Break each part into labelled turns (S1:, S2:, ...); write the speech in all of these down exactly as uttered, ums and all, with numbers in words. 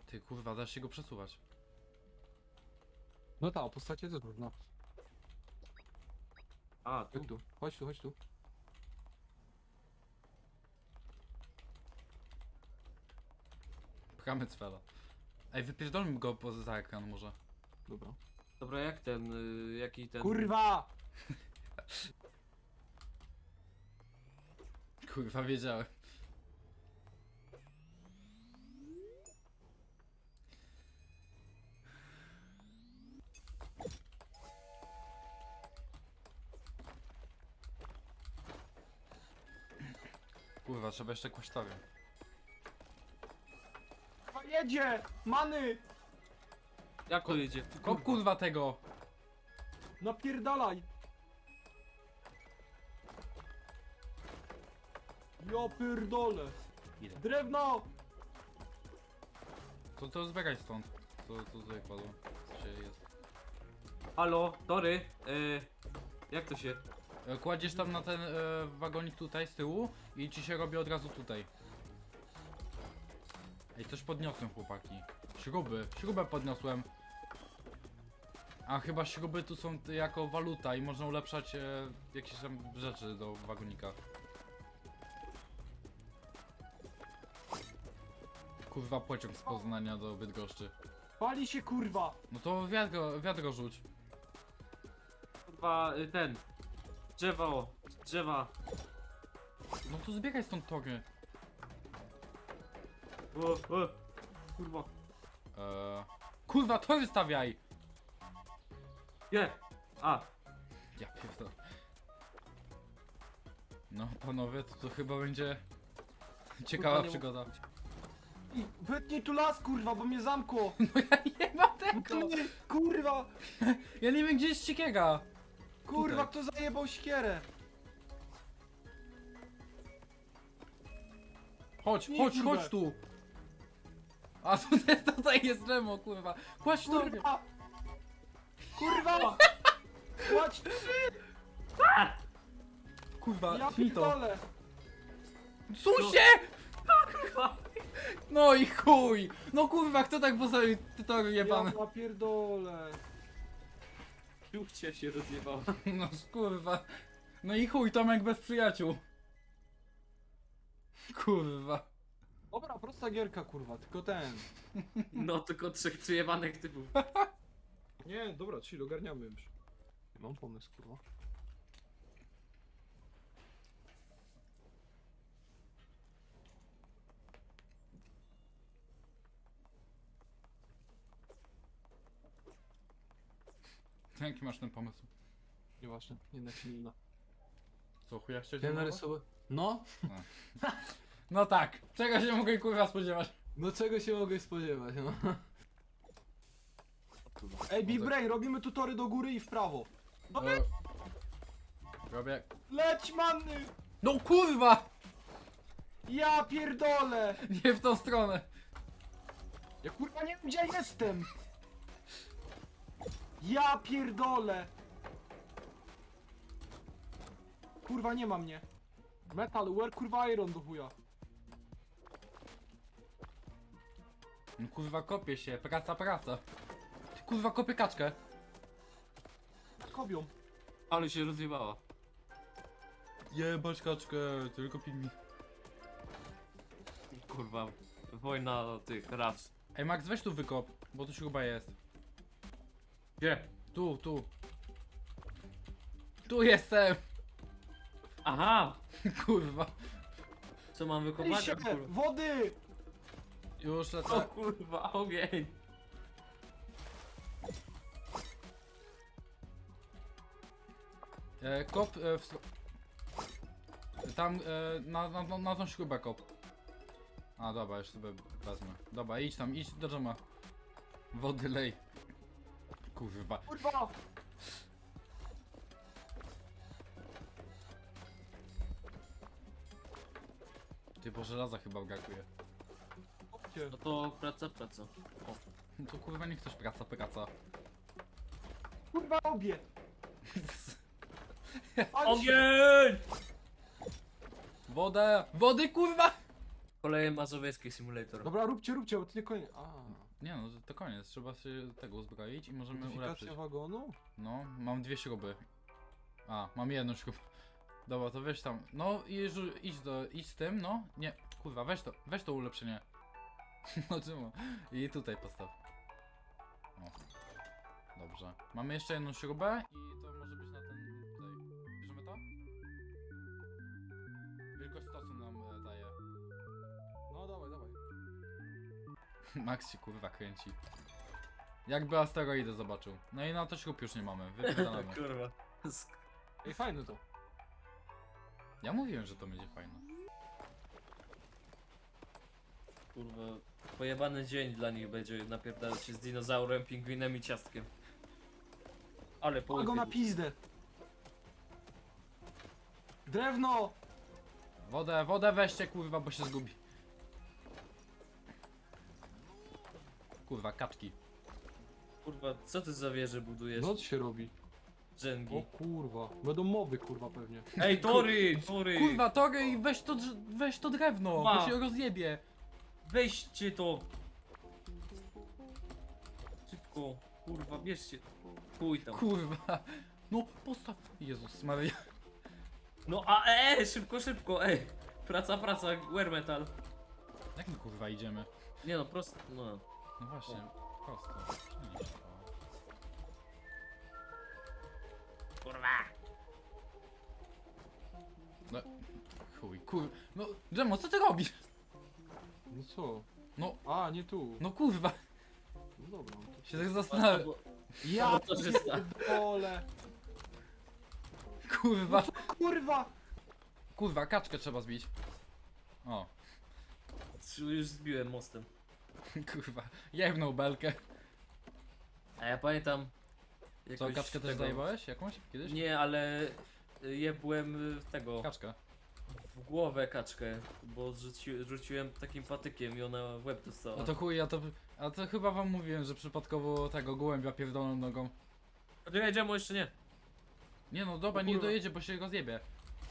S1: Ty kurwa, dasz się go przesuwać.
S2: No tak, o postacie też można.
S3: A, tu.
S2: Jak tu? Chodź tu, chodź tu.
S1: Pchamy cwela. Ej, wypierdolmy go poza ekran może.
S2: Dobra.
S3: Dobra, jak ten, y, jaki ten...
S2: Kurwa!
S1: Kurwa, wiedziałem. Kurwa, trzeba jeszcze kłasztary.
S2: Kurwa, jedzie! Many!
S3: Jak to jedzie?
S1: Kop kurwa tego!
S2: Napierdalaj! Ja pierdolę!
S1: Ile?
S2: Drewno!
S1: To, to zbiegaj stąd. To, to tutaj kładło. Co się jest.
S3: Halo, tory, y, jak to się...
S1: E, Kładziesz tam na ten e, wagonik tutaj z tyłu i ci się robi od razu tutaj. Ej, coś podniosłem, chłopaki. Śruby, śrubę podniosłem. A chyba śruby tu są t- jako waluta i można ulepszać e, jakieś tam rzeczy do wagonika. Kurwa, pociąg z Poznania do Bydgoszczy.
S2: Pali się kurwa!
S1: No to wiadro, wiadro rzuć.
S3: Kurwa, y, ten... Drzewo, drzewa.
S1: No to zbiegaj stąd tory.
S3: O, o, kurwa.
S1: Eee, kurwa, tory stawiaj!
S3: Nie! A,
S1: Ja pierdolę. No panowie, to, to chyba będzie ciekawa
S3: Kurwa, nie
S1: przygoda.
S2: I wytnij tu las kurwa, bo mnie zamkło!
S1: No ja nie mam tego!
S2: Ty, kurwa!
S1: Ja nie wiem gdzie jest siekiera!
S2: Kurwa,
S1: Tutaj.
S2: kto zajebał siekierę?
S1: Chodź,
S2: Nie,
S1: chodź,
S2: kurwa.
S1: chodź tu! A tutaj, tutaj jest Remo, kurwa! Kładź to!
S2: Kurwa! Kurwa! Kładź tu!
S1: Kurwa,
S2: Ja
S1: tnij to!
S2: pierdolę!
S1: Susie! No i chuj! No kurwa, kto tak postawił te tory jebane?
S2: Ja pierdolę!
S3: piłcia się rozjebała.
S1: No kurwa. No i chuj, Tomek bez przyjaciół. Kurwa.
S2: Dobra, prosta gierka kurwa, tylko ten.
S3: No, tylko trzech przyjebanych typów.
S2: Nie, dobra, chill, ogarniamy już. Mam pomysł kurwa.
S1: Jaki masz ten pomysł?
S2: Nieważne, jednak się nie da.
S1: Co, chuja się
S2: Ja narysować? No?
S1: No tak, czego się mogę kurwa spodziewać?
S2: No czego się mogę spodziewać, no? Ej, Big
S1: No tak.
S2: Brain, robimy tu tory do góry i w prawo. No,
S1: E, robię...
S2: leć manny!
S1: No kurwa!
S2: Ja pierdolę!
S1: Nie w tą stronę!
S2: Ja kurwa nie wiem gdzie ja jestem! Ja pierdolę! Kurwa nie ma mnie. Metal, where kurwa iron do chuja.
S1: No kurwa kopie się, praca, praca. Ty kurwa kopie kaczkę.
S2: Kobią.
S3: Ale się rozjebała.
S1: Jebać kaczkę, tylko pigmi.
S3: Kurwa, wojna tych ras.
S1: Ej Max, weź tu wykop, bo tu śruba jest.
S3: Gdzie?
S1: Tu, tu. Tu jestem!
S3: Aha!
S1: Kurwa.
S3: Co mam
S2: Ej
S3: wykopać?
S2: się,
S3: A, kurwa.
S2: wody!
S1: Już
S3: O
S1: lecę.
S3: kurwa, ogień!
S1: E, kop e, w stro... Tam e, na, na, na, na tą śrubę kop. A dobra, już sobie wezmę. Dobra, idź tam, idź do dżema. Wody lej. Kurwa.
S2: Kurwa!
S1: Ty, bo żelaza chyba brakuje.
S2: Chodźcie.
S3: No to praca, praca. O.
S1: No to kurwa nie chcesz praca, praca.
S2: Kurwa robię! Ale się-
S3: Ogień!
S1: Wodę! Wody kurwa!
S3: Koleje mazowieckie simulator.
S2: Dobra, róbcie, róbcie, bo to nie koniec. A,
S1: Nie no, to koniec, trzeba się tego uzbroić i możemy ulepszyć.
S2: modyfikacja wagonu?
S1: No, mam dwie śruby. A, mam jedną śrubę. Dobra, to weź tam. No i żu- idź do, idź z tym, no. Nie, kurwa, weź to, weź to ulepszenie. No czemu? I tutaj postaw. O. Dobrze. Mamy jeszcze jedną śrubę i to może być na ten tutaj. Bierzemy to? Wielkość stosu nam e, daje.
S2: No dawaj, dawaj.
S1: Max się kurwa kręci. Jakby asteroidę zobaczył. No i na to śrub już nie mamy, wypierdalamy.
S3: Kurwa. Sk-
S2: Ej, fajne to.
S1: Ja mówiłem, że to będzie fajne.
S3: Kurwa. Pojebany dzień dla nich będzie napierdalać się z dinozaurem, pingwinem i ciastkiem. Ale po
S2: Pal go na
S3: łypie-
S2: pizdę. Drewno!
S1: Wodę, wodę weźcie kurwa, bo się zgubi. Kurwa, kaczki.
S3: Kurwa, co ty za wieże budujesz?
S2: No co się robi?
S3: Dżęgi.
S2: O kurwa. Będą mowy kurwa pewnie.
S3: Ej, tory! Tory!
S1: Kurwa, Tory, i weź to, drz- weź to drewno,
S3: Ma.
S1: bo się rozjebie.
S3: Weźcie to! Szybko! Kurwa, bierzcie. Chuj tam.
S1: Kurwa. No, postaw. Jezus Maria.
S3: No a e, szybko, szybko, ej! Praca, praca, wear metal.
S1: Jak my kurwa idziemy?
S3: Nie no, prosto, no.
S1: No właśnie, prosto. Przenieś to.
S3: Kurwa!
S1: No, chuj, kur... No, Dżemo, co ty robisz?
S2: No co?
S1: No,
S2: A, nie tu.
S1: no kurwa.
S2: No dobra. no to-
S1: Się tak zastanawiam.
S2: Ja
S3: No to czysta.
S2: pierdolę.
S1: Kurwa.
S2: Kurwa!
S1: Kurwa, kaczkę trzeba zbić. O,
S3: Już zbiłem mostem.
S1: kurwa. Jebnął belkę.
S3: A ja pamiętam...
S1: Co,
S3: jakoś
S1: kaczkę też
S3: tego-
S1: zajebałeś jakąś kiedyś?
S3: Nie, ale y, jebłem y, tego,
S1: Kaczkę.
S3: w głowę kaczkę, bo rzuci, rzuciłem takim patykiem i ona w łeb dostała.
S1: No to chuj, ja to... A to chyba wam mówiłem, że przypadkowo tego gołębia pierdolą nogą.
S3: Dojedziemy jeszcze nie.
S1: Nie no, dobra,
S2: O
S1: nie
S2: kurwa.
S1: dojedzie, bo się rozjebie.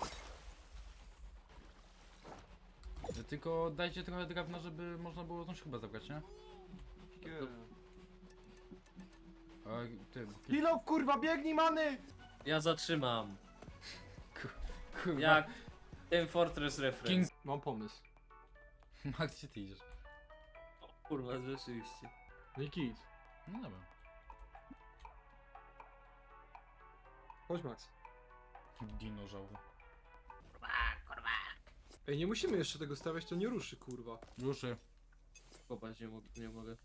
S1: Tylko dajcie trochę drewna, żeby można było tą śrubę zabrać, nie? A ty...
S2: Kilof kurwa, biegnij many!
S3: Ja zatrzymam.
S1: Kurwa.
S3: Jak ten Fortress Reference.
S1: King...
S2: Mam pomysł.
S1: Max, gdzie ty idziesz?
S3: Kurwa, rzeczywiście.
S2: No i kit.
S1: No dobra.
S2: Chodź Max.
S1: Dinożaur.
S2: Ej, nie musimy jeszcze tego stawiać, to nie ruszy kurwa.
S1: Ruszy.
S3: Kopać nie, mogę, nie mogę.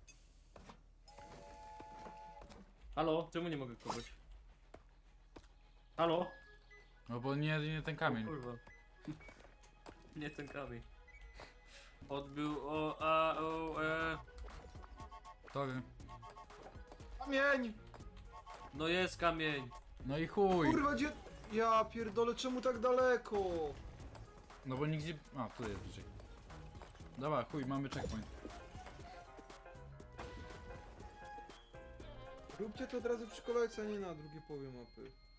S3: Halo? Czemu nie mogę kopać? Halo?
S1: No bo nie, nie ten
S3: O,
S1: kamień.
S3: kurwa. Nie ten kamień. Odbył o a o e.
S1: Tory.
S2: Kamień!
S3: No jest kamień.
S1: No i chuj.
S2: Kurwa, gdzie... Ja pierdolę, czemu tak daleko?
S1: No bo nigdzie... A, tu jest bliżej. Dobra, chuj, mamy checkpoint.
S2: Róbcie to od razu przy kolejce, a nie na drugiej połowie mapy.